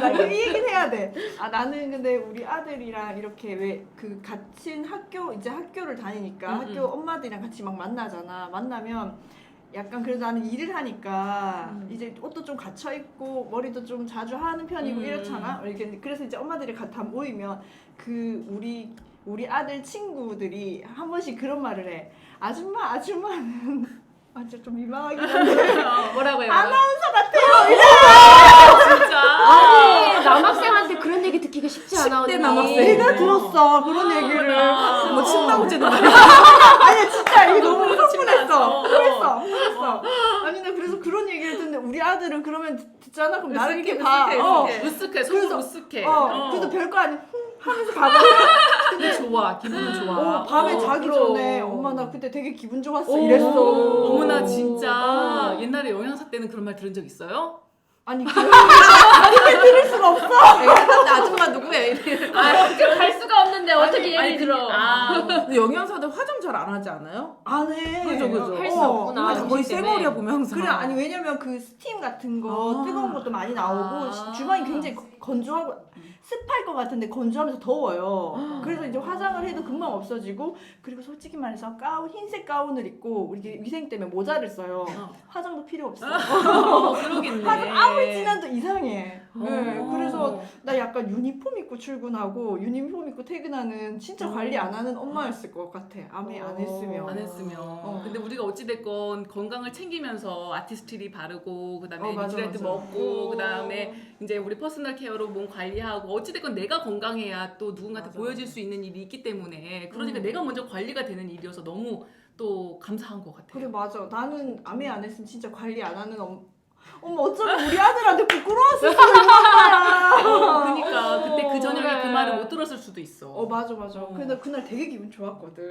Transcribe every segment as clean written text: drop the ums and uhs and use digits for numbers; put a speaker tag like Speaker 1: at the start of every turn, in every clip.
Speaker 1: 나 이 얘기는 해야 돼. 나는 근데 우리 아들이랑 이렇게 왜 그 같은 학교 이제 학교를 다니니까 학교 엄마들이랑 같이 막 만나잖아. 만나면 약간 그래도 나는 일을 하니까 이제 옷도 좀 갖춰 입고 머리도 좀 자주 하는 편이고 이렇잖아. 이렇게 그래서 이제 엄마들이 다 모이면 그 우리 아들 친구들이 한 번씩 그런 말을 해. 아줌마는 완전 좀 민망하긴 한데
Speaker 2: 뭐라고 해요?
Speaker 1: 아나운서 같아요.
Speaker 2: 진짜.
Speaker 3: 아니 남학생한테 그런 얘기 듣기가 쉽지 않아.
Speaker 2: 10대
Speaker 3: 언니.
Speaker 2: 남학생.
Speaker 1: 내가 들었어 그런 얘기를.
Speaker 2: 뭐 침나오지도 말이야.
Speaker 1: 아니 진짜 이게 너무 흥분했어.
Speaker 2: 침나왔어.
Speaker 1: 흥분했어. 아니 나 그래서 그런 얘기를 듣는데 우리 아들은 그러면 듣잖아. 그럼 나를 이렇게
Speaker 2: 으쓱해,
Speaker 1: 봐.
Speaker 2: 으쓱해. 속으로 으쓱해.
Speaker 1: 그래도 별거 아니 하면서 가거든.
Speaker 2: 근데 좋아. 기분은 좋아.
Speaker 1: 밤에 자기
Speaker 2: 그럼.
Speaker 1: 전에 엄마 나 그때 되게 기분 좋았어
Speaker 2: 오,
Speaker 1: 이랬어.
Speaker 2: 어머나 진짜 옛날에 영양사 때는 그런 말 들은 적 있어요?
Speaker 1: 아니 그렇게 들을 수가 없어.
Speaker 2: 아줌마 누구야?
Speaker 3: 갈 수가 없는데 어떻게
Speaker 2: 아니,
Speaker 3: 예를 들어?
Speaker 4: 근데 영양사들 화장 잘 안 하지 않아요?
Speaker 1: 안 해.
Speaker 4: 그죠.
Speaker 3: 할 수 없구나.
Speaker 4: 다 거의 쌩얼이야 보면 항상.
Speaker 1: 그래 아니 왜냐면 그 스팀 같은 거 뜨거운 것도 많이 나오고 주방이 굉장히 건조하고 습할 것 같은데 건조하면서 더워요. 그래서 이제 화장을 해도 금방 없어지고 그리고 솔직히 말해서 흰색 가운을 입고 우리 위생 때문에 모자를 써요. 화장도 필요 없어.
Speaker 2: 그러겠네.
Speaker 1: 화장 아무리 진해도 이상해. 네, 그래서 나 약간 유니폼 입고 출근하고 유니폼 입고 퇴근하는 진짜 관리 안 하는 엄마였을 것 같아. 안 했으면.
Speaker 2: 안 했으면. 근데 우리가 어찌됐건 건강을 챙기면서 아티스트리 바르고 그다음에
Speaker 1: 맞아,
Speaker 2: 뉴트리언트
Speaker 1: 맞아.
Speaker 2: 먹고 그다음에 이제 우리 퍼스널 케어로 몸 관리하고 어찌됐건 내가 건강해야 또 누군가한테
Speaker 1: 맞아.
Speaker 2: 보여줄 수 있는 일이 있기 때문에 그러니까 내가 먼저 관리가 되는 일이어서 너무 또 감사한 것 같아요.
Speaker 1: 그래 맞아. 나는 아메 안 했으면 진짜 관리 안 하는 어머 어쩌면 우리 아들한테 부끄러웠을 수도 있는 거야.
Speaker 2: 그러니까 그때 그 저녁에
Speaker 3: 그래.
Speaker 2: 그 말을 못 들었을 수도 있어.
Speaker 1: 맞아. 근데 그날 되게 기분 좋았거든.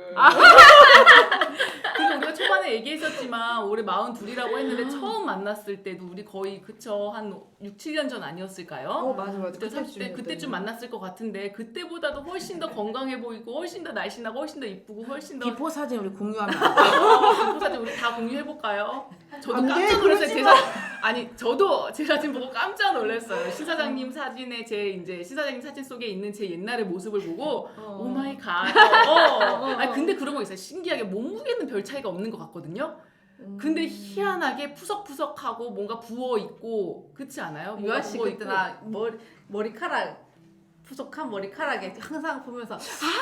Speaker 2: 그리고 우리가 초반에 얘기했었지만 올해 42이라고 했는데 처음 만났을 때도 우리 거의 그쵸 한 6, 7년 전 아니었을까요?
Speaker 1: 맞아.
Speaker 2: 그때 30대 그때쯤 만났을 것 같은데 그때보다도 훨씬 더 건강해 보이고 훨씬 더 날씬하고 훨씬 더 이쁘고 훨씬 더
Speaker 4: 비포 사진 우리 공유하면 안 돼?
Speaker 2: 비포 사진 우리 다 공유해 볼까요? 저도
Speaker 1: 안 돼,
Speaker 2: 깜짝 놀랐어요.
Speaker 1: 그러지
Speaker 2: 제 사진 아니 저도 제 사진 보고 깜짝 놀랐어요. 신 사장님 사진에 신 사장님 사진 속에 있는 제 옛날의 모습을 보고 오 마이 갓. 아니 근데 그런 거 있어요. 신기하게 몸무게는 별 차이가 없는 것 같거든요. 근데 희한하게 푸석푸석하고 뭔가 부어 있고 그렇지 않아요?
Speaker 5: 유아 씨
Speaker 2: 부어
Speaker 5: 그때
Speaker 2: 있고.
Speaker 5: 나 머리카락 푸석한 머리카락에 항상 보면서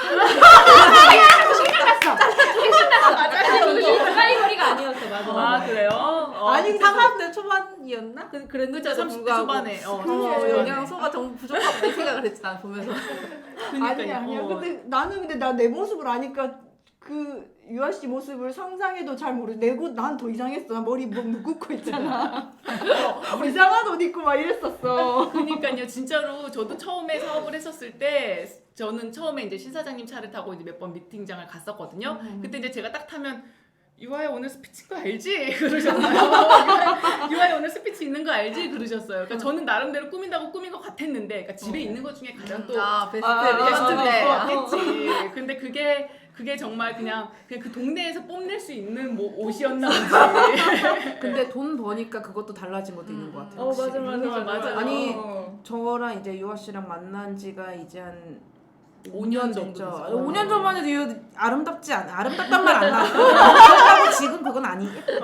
Speaker 3: 까이머리가 아니었어. 맞아.
Speaker 2: 아 그래요?
Speaker 1: 아니, 근데
Speaker 5: 30대 초반이었나? 그랬는데
Speaker 2: 그쵸 30대 초반에
Speaker 5: 영양소가 정말 부족하다 이 생각을 했지 난 보면서.
Speaker 1: 아니야. 근데 나는 나 내 모습을 아니까 그 유아 씨 모습을 상상해도 잘 모르고 난 더 이상했어. 나 머리 뭐 묶고 있잖아. 이상한 옷 입고 막 이랬었어.
Speaker 2: 그러니까요, 진짜로 저도 처음에 사업을 했었을 때 저는 처음에 이제 신 사장님 차를 타고 이제 몇 번 미팅장을 갔었거든요. 그때 이제 제가 딱 타면 유아야 오늘 스피치인 거 알지? 그러셨어요. 유아야 오늘 스피치 있는 거 알지? 그러셨어요. 그러니까 저는 나름대로 꾸민다고 꾸민 것 같았는데, 그러니까 집에 있는 것 중에 가장 또 베스트를 입고 왔겠지. 근데 그게 정말 그냥 그 동네에서 뽐낼 수 있는 뭐 옷이었나 보지.
Speaker 4: 근데 돈 버니까 그것도 달라진 것도 있는 것 같아요. 확실히.
Speaker 2: 맞아.
Speaker 4: 아니 저랑 이제 유아 씨랑 만난 지가 이제 한
Speaker 2: 5년
Speaker 4: 5년
Speaker 2: 정도
Speaker 4: 됐죠.
Speaker 2: 됐죠.
Speaker 4: 5년 전만 해도 이거 아름답지 않아. 아름답단 말 안 나고. 그렇다고 지금 그건 아니겠다.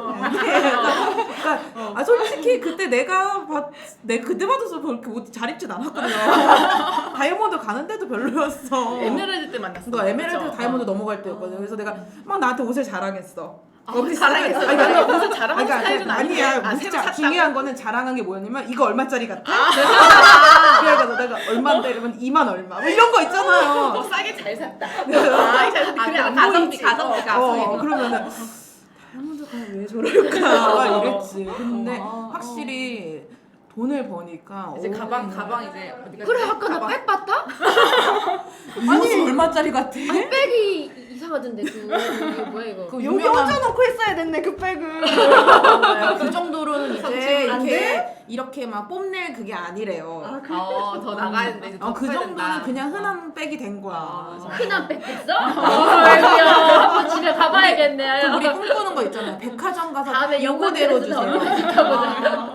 Speaker 4: 그러니까 솔직히 그때 내가 그때 봐도 그렇게 옷 잘 입진 않았거든요. 다이아몬드 가는데도 별로였어.
Speaker 2: 에메랄드 때 만났어.
Speaker 4: 너 에메랄드 다이아몬드 넘어갈 때였거든. 그래서 내가 막 나한테 옷을 자랑했어.
Speaker 2: 자랑했어.
Speaker 4: 아니, 그러니까
Speaker 2: 옷을 자랑하는 스타일은
Speaker 4: 아니야.
Speaker 2: 아닌데. 새로 샀다고?
Speaker 4: 중요한 거는 자랑한 게 뭐였냐면 이거 얼마짜리 같아? 그래가지고 내가 얼마인데 이러면 2만 얼마 뭐 이런 거 있잖아요.
Speaker 2: 싸게 잘 샀다. 잘 샀다. 그래 안 보이지.
Speaker 5: 가성비.
Speaker 4: 그러면은 다이아몬드가 왜 저럴까 막 이랬지. 근데 확실히 돈을 버니까
Speaker 5: 이제 가방 이제 어디가
Speaker 3: 그래 아까 나 백 봤다?
Speaker 4: 이 옷이 얼마짜리 같아?
Speaker 3: 백이 이상하던데 이거 뭐야 이거?
Speaker 4: 그
Speaker 1: 여기
Speaker 4: 유명한
Speaker 1: 얹어놓고 했어야 됐네 그 백을.
Speaker 4: 그 정도로는 이제
Speaker 1: 안
Speaker 4: 이렇게 막 뽐낼 그게 아니래요.
Speaker 5: 더 나가야 되는데 이제 더
Speaker 4: 그
Speaker 5: 커야
Speaker 4: 정도는
Speaker 5: 된다.
Speaker 4: 그냥 흔한 백이 된 거야.
Speaker 3: 흔한 백 됐어? 아이고야 한번 집에 가봐야겠네.
Speaker 4: 우리 꿈꾸는 거 있잖아요. 백화점 가서
Speaker 3: 다음에
Speaker 4: 요거대로
Speaker 3: 영광대에서
Speaker 4: 주세요.
Speaker 3: 얼마나 좋다고.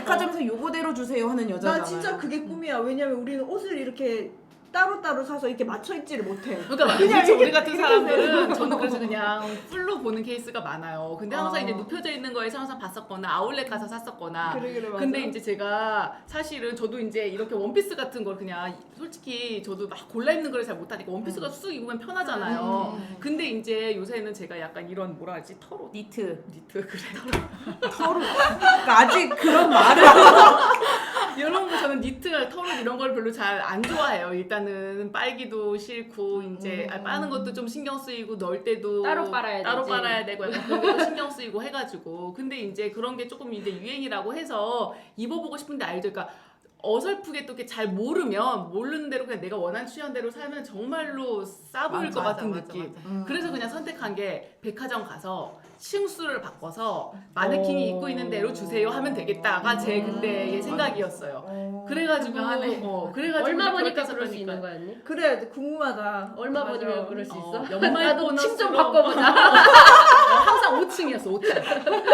Speaker 4: 백화점에서 요거대로 주세요 하는 여자잖아요.
Speaker 1: 나 진짜 그게 꿈이야. 왜냐면 우리는 옷을 이렇게 따로따로 사서 이렇게 맞춰 입지를 못해.
Speaker 2: 그러니까
Speaker 1: 그냥
Speaker 2: 그렇죠. 우리
Speaker 1: 이렇게-
Speaker 2: 같은
Speaker 1: 이렇게
Speaker 2: 사람들은 저는 그래서 그냥 풀로 보는 케이스가 많아요. 근데 항상
Speaker 1: 어.
Speaker 2: 이제 눕혀져 있는 거에서 항상 봤었거나 아울렛 가서 샀었거나.
Speaker 1: 그래 맞아.
Speaker 2: 근데 이제 제가 사실은 저도 이제 이렇게 원피스 같은 걸 그냥 솔직히 저도 막 골라 입는 걸 잘 못하니까 원피스가 쑥 입으면 편하잖아요. 근데 이제 요새는 제가 약간 이런 뭐라 하지 털옷
Speaker 4: 니트.
Speaker 2: 그래
Speaker 4: 털을. 그러니까 아직 그런 말을.
Speaker 2: 이런 거 저는 니트, 털옷 이런 걸 별로 잘 안 좋아해요. 일단은 빨기도 싫고 이제 빠는 것도 좀 신경 쓰이고 넣을 때도
Speaker 3: 따로 빨아야
Speaker 2: 따로
Speaker 3: 되지.
Speaker 2: 빨아야 되고 약간 그런 것도 신경 쓰이고 해가지고 근데 이제 그런 게 조금 이제 유행이라고 해서 입어보고 싶은데 알죠? 그러니까 어설프게 또 이렇게 잘 모르는 대로 그냥 내가 원하는 취향대로 살면 정말로 싸 보일 것 같은 느낌. 그래서 그냥 선택한 게 백화점 가서 층수를 바꿔서 마네킹이 입고 있는 대로 주세요 하면 되겠다가 제 그때의 생각이었어요. 그래가지고 그래가지고
Speaker 3: 얼마
Speaker 2: 이제
Speaker 3: 버니까
Speaker 2: 그렇게
Speaker 3: 그럴 수
Speaker 2: 했었으니까.
Speaker 3: 있는 거야 언니?
Speaker 1: 그래 궁금하다.
Speaker 3: 얼마
Speaker 1: 맞아.
Speaker 3: 버니면 그럴 수 있어?
Speaker 2: 연말
Speaker 3: 나도
Speaker 2: 보너스로
Speaker 3: 층 좀 바꿔보자.
Speaker 2: 항상 5층이었어 5층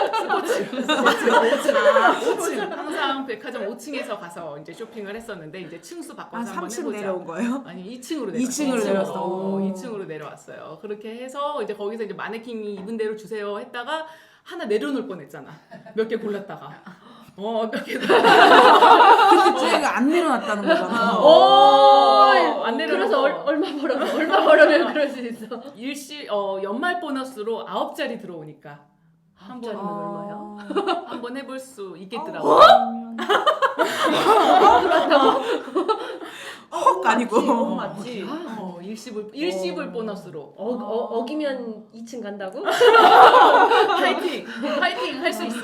Speaker 2: 스포츠 항상 백화점 5층에서 가서 이제 쇼핑을 했었는데 이제 층수
Speaker 4: 한
Speaker 2: 바꿔서 한번
Speaker 4: 3층
Speaker 2: 해보자.
Speaker 4: 내려온 거예요?
Speaker 2: 아니 2층으로
Speaker 4: 2층으로 내려왔어.
Speaker 2: 2층으로 내려왔어요. 그렇게 해서 이제 거기서 이제 마네킹이 입은 대로 주세요 했다가 하나 내려놓을 뻔했잖아. 몇 개 골랐다가 몇 개.
Speaker 4: 근데 쟤가 안 내려놨다는 거잖아.
Speaker 2: 안 내려놓고.
Speaker 3: 그래서 얼마 벌어면 그럴 수 있어?
Speaker 2: 연말 보너스로 9자리 들어오니까 한번
Speaker 3: 얼마야?
Speaker 2: 한번 해볼 수 있겠더라고.
Speaker 4: 헉 아니고.
Speaker 1: 맞지.
Speaker 2: 일시불 보너스로
Speaker 3: 어기면 2층 간다고?
Speaker 2: 파이팅 할 수 있어.